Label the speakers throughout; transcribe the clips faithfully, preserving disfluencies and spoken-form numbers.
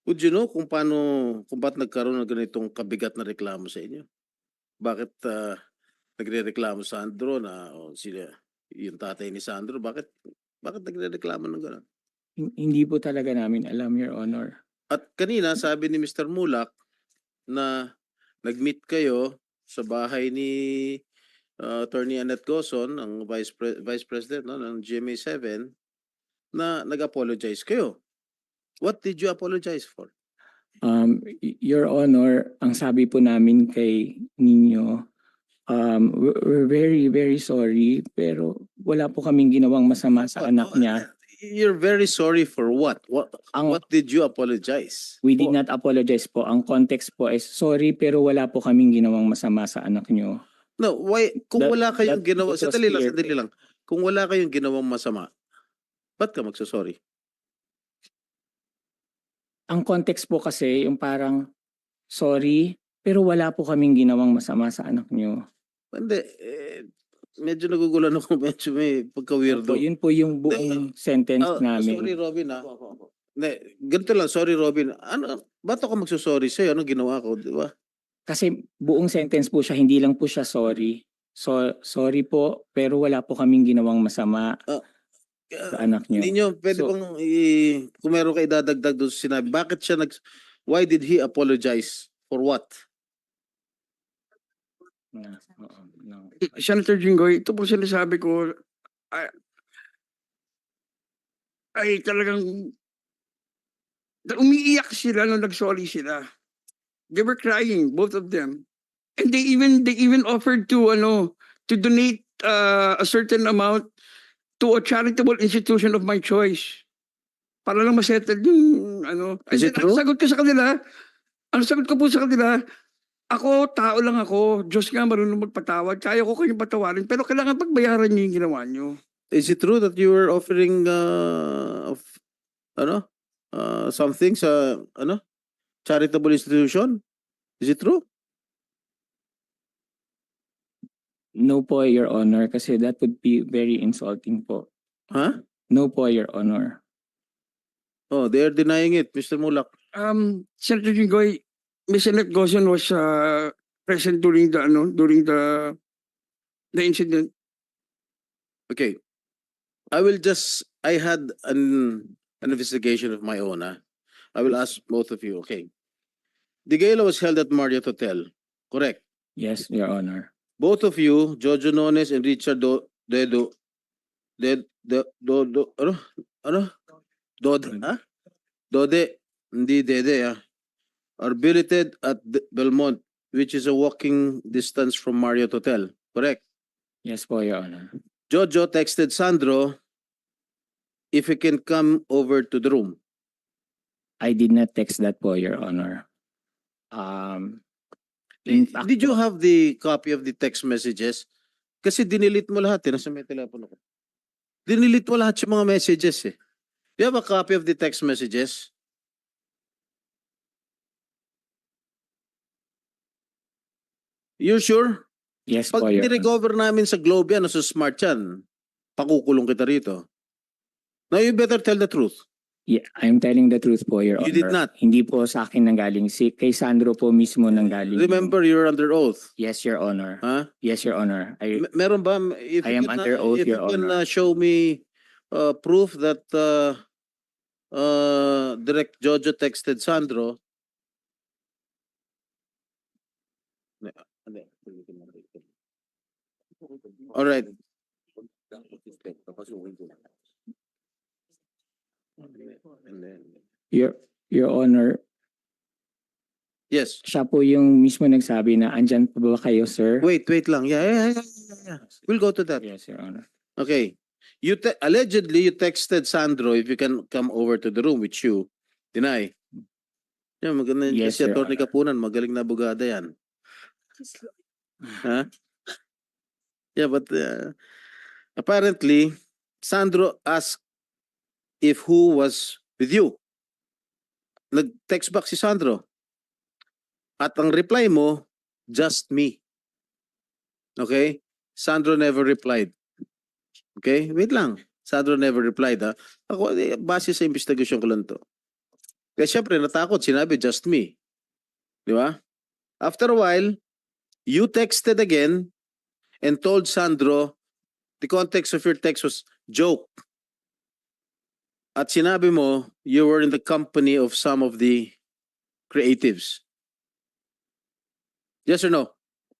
Speaker 1: Would you know kung paano, kung ba't nagkaroon ng ganitong kabigat na reklamo sa inyo? Bakit ah, nagrereklamo Sandro na o sila yung tatay ni Sandro, bakit bakit nagrereklamo ng gano'n?
Speaker 2: Hin- Hindi po talaga namin alam, Your Honor.
Speaker 1: At kanina sabi ni Mister Mulak na nag-meet kayo sa bahay ni ah, Attorney Annette Gozon, ang Vice, Pre- Vice President no, ng G M A seven, na nag-apologize kayo. What did you apologize for?
Speaker 2: Um, y- Your Honor, ang sabi po namin kay ninyo, um, we're we're very, very sorry, pero wala po kaming ginawang masama sa
Speaker 1: Oh,
Speaker 2: anak
Speaker 1: oh,
Speaker 2: niya.
Speaker 1: You're very sorry for what? What
Speaker 2: Ang,
Speaker 1: what did you apologize?
Speaker 2: we did
Speaker 1: for?
Speaker 2: not apologize po. Ang context po is, sorry, pero wala po kaming ginawang masama sa anak niyo.
Speaker 1: No, why kung
Speaker 2: That-
Speaker 1: wala kayong
Speaker 2: that-
Speaker 1: ginawa,
Speaker 2: it was
Speaker 1: sandali lang,
Speaker 2: clear.
Speaker 1: sandali lang. Kung wala kayong ginawang masama, ba't ka magsasorry?
Speaker 2: Ang context po kasi, yung parang, sorry, pero wala po kaming ginawang masama sa anak niyo.
Speaker 1: Hindi, eh, medyo nagugulan ako, medyo may
Speaker 2: Opo,
Speaker 1: pagka-weirdo.
Speaker 2: yun po yung buong sentence
Speaker 1: Oh,
Speaker 2: namin.
Speaker 1: sorry Robin ha. Hindi, ganito lang, sorry Robin. Ano, ba't ako magsasorry sa'yo? Anong ginawa ko, di ba?
Speaker 2: Kasi buong sentence po siya, hindi lang po siya sorry. So, sorry po, pero wala po kaming ginawang masama sa anak niyo.
Speaker 1: Hindi nyo, pwede
Speaker 2: So-
Speaker 1: bang, i- kung meron ka idadagdag doon sa sinabi, bakit siya nag, why did he apologize? For what?
Speaker 2: Na- oo, no.
Speaker 3: Senator Jinggoy, ito po sinasabi ko, ay, ay talagang umiiyak sila nung nag-sorry sila. They were crying, both of them. And they even they even offered to ano to donate uh, a certain amount to a charitable institution of my choice. Para lang masettle yung ano.
Speaker 1: Is
Speaker 3: And
Speaker 1: it
Speaker 3: then,
Speaker 1: true?
Speaker 3: Ang sagot ko sa kanila, ang sagot ko po sa kanila, ako, tao lang ako. Diyos nga marunong magpatawad. Kaya ko kayong patawarin. Pero kailangan pagbayaran niyo yung ginawa niyo.
Speaker 1: Is it true that you were offering uh, of, ano, uh, something sa ano, charitable institution? Is it true?
Speaker 2: No po, Your Honor, kasi that would be very insulting po.
Speaker 1: Huh?
Speaker 2: No po, Your Honor.
Speaker 1: Oh, they are denying it, Mister Mulak.
Speaker 3: Um, Senator Jinggoy, Miz Annette Gozon was uh, present during the ano, during the the incident.
Speaker 1: Okay. I will just, I had an, an investigation of my own. ah. I will ask both of you. Okay. The gala was held at Marriott Hotel. Correct.
Speaker 2: Yes, Your Honor.
Speaker 1: Both of you, Jojo Nones and Richard Do, Dedo, Ded, Do, Do, Do, ano? Ano? Dode, ha? Dode, hindi Dede, ah. Are billeted at the Belmont, which is a walking distance from Marriott Hotel. Correct.
Speaker 2: Yes po, Your Honor.
Speaker 1: Jojo texted Sandro if he can come over to the room.
Speaker 2: I did not text that po, Your Honor. Um, in
Speaker 1: Did,
Speaker 2: fact
Speaker 1: did you
Speaker 2: po,
Speaker 1: have the copy of the text messages? Kasi dinilit mo lahat eh. Nasa may telepono ko. Dinilit mo lahat yung mga messages eh. You have a copy of the text messages? You sure?
Speaker 2: yes po,
Speaker 1: Pag
Speaker 2: Your Honor.
Speaker 1: nirecover namin sa Globe yan o sa Smart yan, pakukulong kita rito. Now you better tell the truth.
Speaker 2: Yeah, I'm telling the truth po, Your Honor.
Speaker 1: You did not.
Speaker 2: Hindi po sa akin nanggaling. Si, kay Sandro po mismo nanggaling.
Speaker 1: Remember, you're under oath.
Speaker 2: Yes, Your Honor.
Speaker 1: Ha?
Speaker 2: Yes, Your Honor. I,
Speaker 1: M- meron ba? If
Speaker 2: I
Speaker 1: you
Speaker 2: am
Speaker 1: can,
Speaker 2: under
Speaker 1: uh,
Speaker 2: oath,
Speaker 1: if
Speaker 2: Your
Speaker 1: you can
Speaker 2: Honor.
Speaker 1: uh, show me uh, proof that uh, uh, Direct Jojo texted Sandro. All right. And then,
Speaker 2: Your, Your Honor,
Speaker 1: yes.
Speaker 2: siya po yung mismo nagsabi na andyan pa ba kayo, sir?
Speaker 1: Wait, wait lang. Yeah, yeah, yeah, yeah, yeah. We'll go to that.
Speaker 2: Yes, Your Honor.
Speaker 1: Okay. You te- allegedly you texted Sandro if you can come over to the room with you. Deny. Yeah, maganda yan
Speaker 2: Yes,
Speaker 1: kasi
Speaker 2: Your
Speaker 1: Atty.
Speaker 2: Honor.
Speaker 1: Kapunan, magaling na abogada yan. Huh? Yeah, but uh, apparently Sandro asked if who was with you. Nag-text back si Sandro. At ang reply mo, just me. Okay? Sandro never replied. Okay? Wait lang. Sandro never replied, ha? Ako, eh, base sa investigasyon ko lang to. Kaya syempre natakot, sinabi just me. Di ba? After a while, you texted again and told Sandro, the context of your text was joke. At sinabi mo, you were in the company of some of the creatives. Yes or no?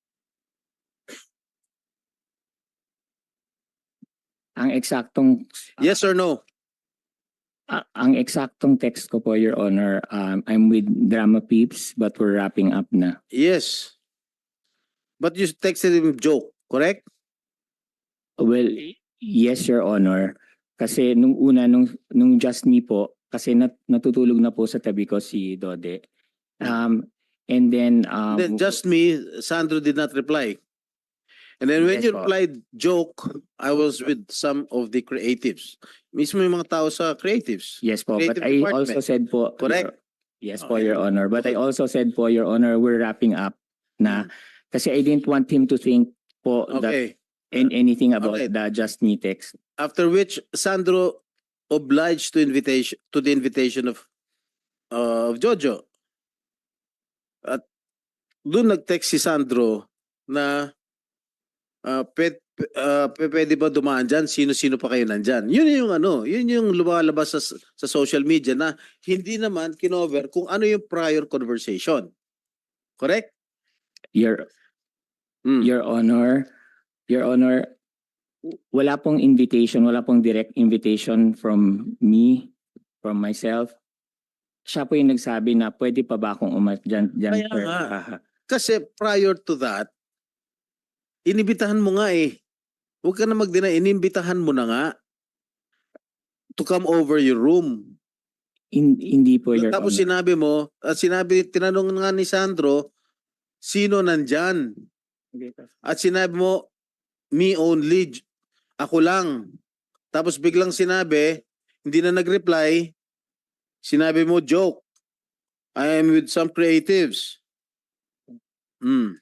Speaker 2: Ang eksaktong
Speaker 1: Yes or no?
Speaker 2: ah, ang eksaktong text ko po, Your Honor, um, I'm with Drama Peeps but we're wrapping up na.
Speaker 1: Yes. But you texted him joke, correct?
Speaker 2: Well, yes, Your Honor. Kasi nung una, nung, nung Just Me po, kasi nat, natutulog na po sa tabi ko si Dode. Um, and then, um,
Speaker 1: Then just me, Sandro did not reply. And then when
Speaker 2: Yes
Speaker 1: you
Speaker 2: po.
Speaker 1: replied joke, I was with some of the creatives. Mismo yung mga tao sa creatives.
Speaker 2: yes po, but
Speaker 1: creative
Speaker 2: I
Speaker 1: department.
Speaker 2: also said po,
Speaker 1: Correct.
Speaker 2: Your- yes po,
Speaker 1: Okay.
Speaker 2: Your Honor. But I
Speaker 1: Okay.
Speaker 2: also said po, Your Honor, we're wrapping up na kasi I didn't want him to think po that
Speaker 1: Okay.
Speaker 2: in anything about
Speaker 1: Alright.
Speaker 2: the Just Me text.
Speaker 1: After which Sandro obliged to invitation to the invitation of uh, of Jojo. At doon nag-text si Sandro na uh, pet, uh, p- pwede ba dumaan dyan? Sino-sino pa kayo nandyan? Yun yung ano, yun yung lumalabas sa, sa social media na hindi naman kinover kung ano yung prior conversation. Correct?
Speaker 2: Your
Speaker 1: Mm.
Speaker 2: Your Honor, Your Honor, wala pong invitation, wala pong direct invitation from me, from myself. Siya po yung nagsabi na pwede pa ba akong umat dyan, dyan
Speaker 1: Kaya
Speaker 2: sir?
Speaker 1: nga.
Speaker 2: Ah,
Speaker 1: Kasi prior to that, inibitahan mo nga eh. Huwag ka na mag-deny, inibitahan mo na nga to come over your room.
Speaker 2: hin- hindi po, Your
Speaker 1: Tapos
Speaker 2: Honor.
Speaker 1: sinabi mo, at sinabi, tinanong nga ni Sandro, sino nandyan? At sinabi mo, me only, j- ako lang. Tapos biglang sinabi, hindi na nag-reply, sinabi mo, joke. I am with some creatives. Hmm.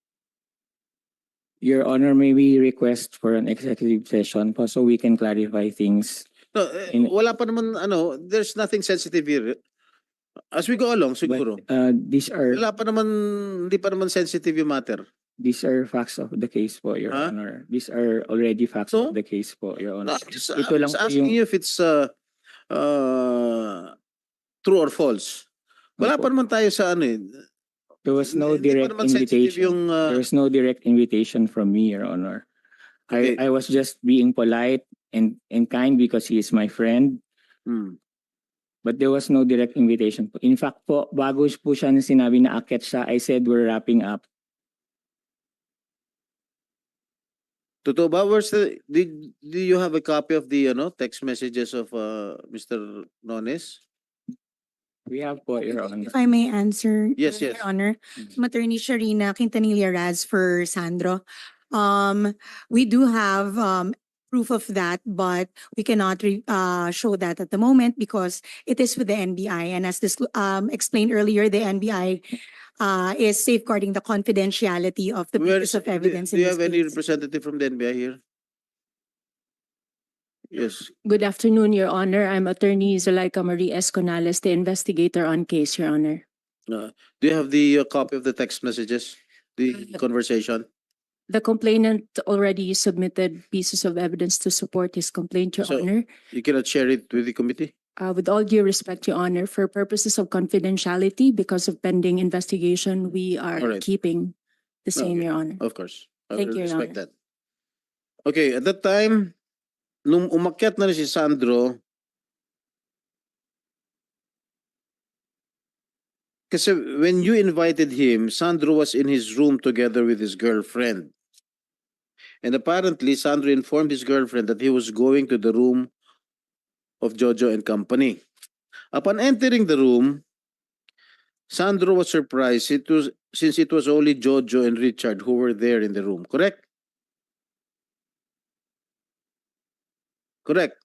Speaker 2: Your Honor, may we request for an executive session po so we can clarify things.
Speaker 1: No, eh,
Speaker 2: In-
Speaker 1: wala pa naman, ano, there's nothing sensitive here. As we go along, siguro.
Speaker 2: But uh, these are
Speaker 1: Wala pa naman, hindi pa naman sensitive yung matter.
Speaker 2: these are facts of the case po, Your
Speaker 1: Huh?
Speaker 2: Honor. These are already facts
Speaker 1: So?
Speaker 2: of the case po, Your
Speaker 1: No,
Speaker 2: Honor.
Speaker 1: I'm just,
Speaker 2: Ito
Speaker 1: I'm
Speaker 2: lang
Speaker 1: just
Speaker 2: po
Speaker 1: asking
Speaker 2: yung-
Speaker 1: you if it's uh, uh, true or false. Wala
Speaker 2: Opo.
Speaker 1: pa naman tayo sa ano eh.
Speaker 2: There was no
Speaker 1: Hindi pa
Speaker 2: direct
Speaker 1: naman sensitive
Speaker 2: invitation.
Speaker 1: yung, uh,
Speaker 2: There was no direct invitation from me, Your Honor.
Speaker 1: Okay.
Speaker 2: I, I was just being polite and, and kind because he is my friend.
Speaker 1: hmm.
Speaker 2: But there was no direct invitation po. In fact po, bago po siya na sinabi na akit siya, I said we're wrapping up.
Speaker 1: Totoo ba? Where's the, did, do you have a copy of the ano, text messages of uh, Mister Nones?
Speaker 2: We have po, Your Honor.
Speaker 4: If I may answer,
Speaker 1: Yes,
Speaker 4: Your
Speaker 1: yes.
Speaker 4: Honor,
Speaker 2: Mhm.
Speaker 4: I'm Attorney Sharina Quintanilla Raz for Sandro. Um, we do have um proof of that, but we cannot re- uh show that at the moment because it is with the N B I. And as this um explained earlier, the N B I uh is safeguarding the confidentiality of the
Speaker 1: Where
Speaker 4: pieces
Speaker 1: is-
Speaker 4: of evidence
Speaker 1: do, do
Speaker 4: in
Speaker 1: you
Speaker 4: this
Speaker 1: have any
Speaker 4: case.
Speaker 1: representative from the N B I here? Yes.
Speaker 5: Good afternoon, Your Honor. I'm Attorney Zuleika Marie Esconales, the investigator on case, Your Honor.
Speaker 1: Uh, do you have the uh, copy of the text messages? The
Speaker 5: Uh,
Speaker 1: conversation?
Speaker 5: The complainant already submitted pieces of evidence to support his complaint, Your
Speaker 1: So-
Speaker 5: Honor.
Speaker 1: You cannot share it with the committee?
Speaker 5: Uh, with all due respect, Your Honor, for purposes of confidentiality, because of pending investigation, we are
Speaker 1: Alright.
Speaker 5: keeping the same,
Speaker 1: Okay.
Speaker 5: Your Honor.
Speaker 1: Of course. I
Speaker 5: Thank
Speaker 1: will
Speaker 5: you, Your
Speaker 1: respect
Speaker 5: Honor.
Speaker 1: that. Okay, at that time, nung umakyat na rin si Sandro, kasi when you invited him, Sandro was in his room together with his girlfriend. And apparently, Sandro informed his girlfriend that he was going to the room of Jojo and company. Upon entering the room, Sandro was surprised it was, since it was only Jojo and Richard who were there in the room. Correct? Correct.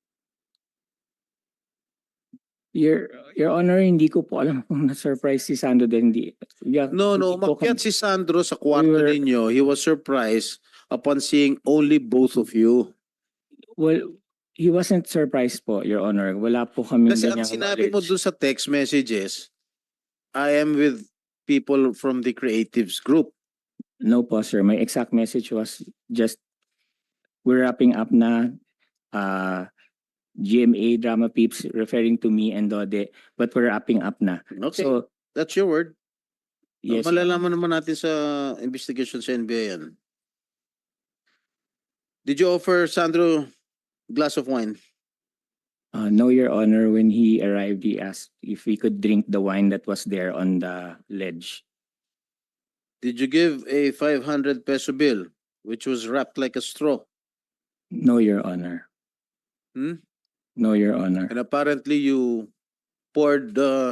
Speaker 2: Your, Your Honor, hindi ko po alam kung na-surprise si Sandro din. Hindi. Yeah,
Speaker 1: No, no,
Speaker 2: hindi po
Speaker 1: umakyat
Speaker 2: kami-
Speaker 1: si Sandro sa kwarto
Speaker 2: We were-
Speaker 1: ninyo. He was surprised upon seeing only both of you.
Speaker 2: Well, he wasn't surprised po, Your Honor. Wala po kami
Speaker 1: Kasi ang
Speaker 2: ganyang
Speaker 1: sinabi mo
Speaker 2: knowledge.
Speaker 1: dun sa text messages, I am with people from the creatives group.
Speaker 2: No po, sir. My exact message was just, we're wrapping up na, uh, G M A Drama Peeps referring to me and Dode, but we're wrapping up na.
Speaker 1: Okay,
Speaker 2: So,
Speaker 1: that's your word.
Speaker 2: yes, Your
Speaker 1: Malalaman naman natin sa investigation sa N B I yan. Did you offer Sandro glass of wine?
Speaker 2: Uh, no, Your Honor, when he arrived, he asked if we could drink the wine that was there on the ledge.
Speaker 1: Did you give a five hundred peso bill which was wrapped like a straw?
Speaker 2: No, Your Honor.
Speaker 1: Hmm?
Speaker 2: No, Your Honor.
Speaker 1: And apparently you poured the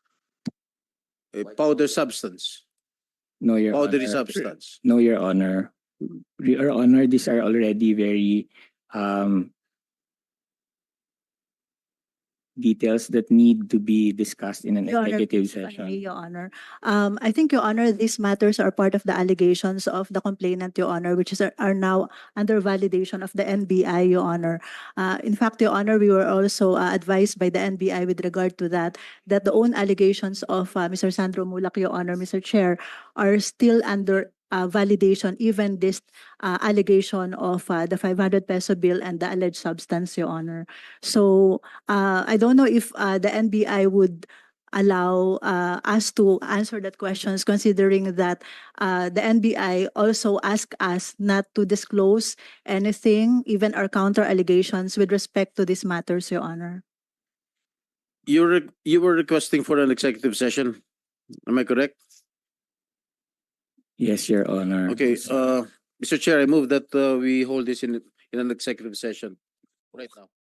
Speaker 1: a powder substance,
Speaker 2: No, Your
Speaker 1: powdery
Speaker 2: Honor.
Speaker 1: substance.
Speaker 2: No, Your Honor. Your Honor, these are already very um details that need to be discussed in an
Speaker 6: Your Honor,
Speaker 2: executive
Speaker 6: if I may,
Speaker 2: session.
Speaker 6: Your Honor. Um, I think, Your Honor, these matters are part of the allegations of the complainant, Your Honor, which is, are now under validation of the N B I, Your Honor. Uh, in fact, Your Honor, we were also uh, advised by the N B I with regard to that, that the own allegations of uh, Mister Sandro Mulak, Your Honor, Mister Chair, are still under uh, validation, even this uh, allegation of uh, the five hundred peso bill and the alleged substance, Your Honor. So uh, I don't know if uh, the N B I would allow uh, us to answer that questions, considering that uh, the N B I also asked us not to disclose anything, even our counter allegations with respect to these matters, Your Honor.
Speaker 1: You were, you were requesting for an executive session. Am I correct?
Speaker 2: Yes, Your Honor.
Speaker 1: Okay, uh, Mister Chair, I move that uh, we hold this in, in an executive session right now.